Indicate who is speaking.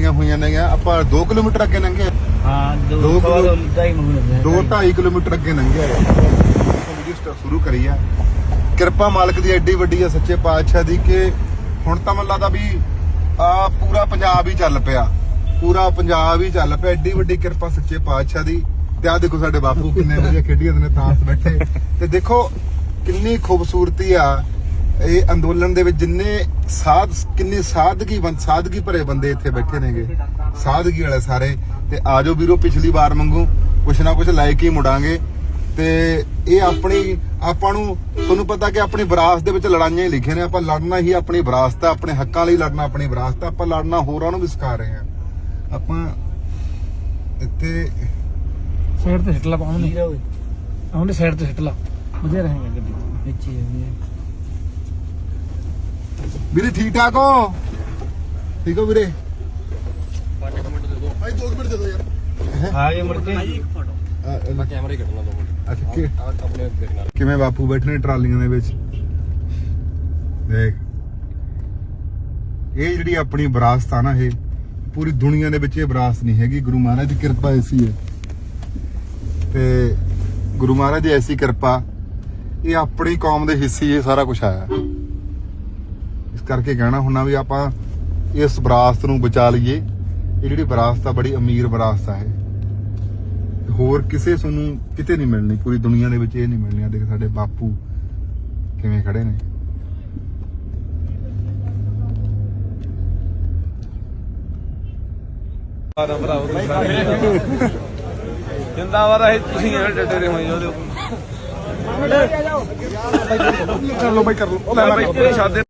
Speaker 1: ਲੱਗੀਆਂ ਹੋਈਆਂ ਨੇ। ਆਪਾਂ 2 ਕਿਲੋਮੀਟਰ ਅੱਗੇ ਲੰਘੇ।
Speaker 2: ਹਾਂ
Speaker 1: 2.5 ਕਿਲੋਮੀਟਰ ਅੱਗੇ ਲੰਘਿਆ ਵੀਡੀਓ ਸ਼ੁਰੂ ਕਰੀ ਆ। ਕਿਰਪਾ ਮਾਲਕ ਦੀ ਐਡੀ ਵੱਡੀ ਆ ਸੱਚੇ ਪਾਤਸ਼ਾਹ ਦੀ ਕਿ ਹੁਣ ਤਾਂ ਮੈਨੂੰ ਲੱਗਦਾ ਵੀ ਪੂਰਾ ਪੰਜਾਬ ਹੀ ਚੱਲ ਪਿਆ, ਪੂਰਾ ਪੰਜਾਬ ਹੀ ਚੱਲ ਪਿਆ। ਐਡੀ ਵੱਡੀ ਕਿਰਪਾ ਸੱਚੇ ਪਾਤਸ਼ਾਹ ਦੀ। ਤੇ ਆਹ ਦੇਖੋ ਸਾਡੇ ਬਾਪੂ ਕਿੰਨੇ ਵਧੀਆ ਖੇਡੀ ਜਾਂਦੇ ਨੇ ਤਾਂਸ ਬੈਠੇ। ਤੇ ਦੇਖੋ ਕਿੰਨੀ ਖੂਬਸੂਰਤੀ ਆ ਇਹ ਅੰਦੋਲਨ ਦੇ ਵਿੱਚ। ਜਿੰਨੇ ਕਿੰਨੀ ਸਾਦਗੀ ਭਰੇ ਬੰਦੇ ਇੱਥੇ ਬੈਠੇ ਨੇਗੇ, ਸਾਦਗੀ ਵਾਲੇ ਸਾਰੇ। ਤੇ ਆਜੋ ਵੀਰੋ, ਪਿਛਲੀ ਵਾਰ ਵਾਂਗੂ ਕੁਛ ਨਾ ਕੁਛ ਲੈ ਕੇ ਹੀ ਮੁੜਾਂਗੇ। ਤੇ ਇਹ ਆਪਾਂ ਨੂੰ ਤੁਹਾਨੂੰ ਪਤਾ ਕਿ ਆਪਣੀ ਵਿਰਾਸਤ ਦੇ ਵਿੱਚ ਲੜਾਈਆਂ ਹੀ ਲਿਖੀਆਂ ਨੇ। ਆਪਾਂ ਲੜਨਾ ਹੀ ਆਪਣੀ ਵਿਰਾਸਤ ਆ, ਆਪਣੇ ਹੱਕਾਂ ਲਈ ਲੜਨਾ ਆਪਣੀ ਵਿਰਾਸਤ ਆ। ਆਪਾਂ ਲੜਨਾ ਹੋਰਾਂ ਨੂੰ ਵੀ ਸਿਖਾ ਰਹੇ ਆ। ਆਪਾਂ ਇੱਥੇ
Speaker 2: ਸਾਈਡ ਤੇ ਸਿੱਟਲਾ ਪਾਉਣੇ ਆਉਂਦੇ, ਸਾਈਡ ਤੇ ਸਿੱਟਲਾ ਵਧੀਆ ਰਹੇਗਾ ਗੱਡੀ ਵਿੱਚ
Speaker 1: ਵੀਰੇ। ਠੀਕ ਠਾਕ ਹੋ? ਠੀਕ ਹੋ ਵੀਰੇ?
Speaker 3: 5 ਮਿੰਟ ਦੇ ਦਿਓ ਭਾਈ, 2 ਮਿੰਟ ਦੇ ਦਿਓ ਯਾਰ।
Speaker 2: ਆ ਗਏ ਮੁੜ ਕੇ
Speaker 3: ਮੈਂ ਕੈਮਰਾ ਹੀ ਕੱਢਣਾ 2 ਮਿੰਟ।
Speaker 1: ਅੱਛਾ
Speaker 3: ਆਪਣੇ ਦੇਖਣਾ
Speaker 1: ਕਿਵੇਂ ਬਾਪੂ ਬੈਠੇ ਨੇ ਟਰਾਲੀਆਂ ਦੇ ਵਿੱਚ। ਦੇਖ ਇਹ ਜਿਹੜੀ ਆਪਣੀ ਵਿਰਾਸਤ ਆ ਨਾ, ਇਹ ਪੂਰੀ ਦੁਨੀਆ ਦੇ ਵਿੱਚ ਇਹ ਵਿਰਾਸਤ ਨਹੀਂ ਹੈਗੀ। ਗੁਰੂ ਮਹਾਰਾਜ ਦੀ ਕਿਰਪਾ ਐਸੀ ਹੈ ਤੇ ਗੁਰੂ ਮਹਾਰਾਜ ਦੀ ਐਸੀ ਕਿਰਪਾ, ਇਹ ਆਪਣੀ ਕੌਮ ਦੇ ਹਿੱਸੇ ਇਹ ਸਾਰਾ ਕੁਝ ਆਇਆ। ਇਸ ਕਰਕੇ ਕਹਿਣਾ ਹੁੰਦਾ ਵੀ ਆਪਾਂ ਇਸ ਵਿਰਾਸਤ ਨੂੰ ਬਚਾ ਲਈਏ। ਇਹ ਜਿਹੜੀ ਵਿਰਾਸਤ ਆ ਬੜੀ ਅਮੀਰ ਵਿਰਾਸਤ ਆ। ਇਹ ਹੋਰ ਕਿਸੇ ਤੁਹਾਨੂੰ ਕਿਤੇ ਨਹੀਂ ਮਿਲਣੀ, ਪੂਰੀ ਦੁਨੀਆ ਦੇ ਵਿੱਚ ਇਹ ਨਹੀਂ ਮਿਲਣੀ। ਆ ਦੇਖ ਸਾਡੇ ਬਾਪੂ ਕਿਵੇਂ ਖੜੇ ਨੇ।
Speaker 3: ਜਿੰਦਾਬਾਦ ਹੈ ਤੁਸੀਂ ਡੱਡੇ ਰਹੇ ਹੋ।
Speaker 1: ਕਰ ਲਓ ਬਾਈ, ਕਰ ਲਓ।
Speaker 3: ਮੈਂ ਬਾਈ ਤੇਰੇ ਸਾਦੇ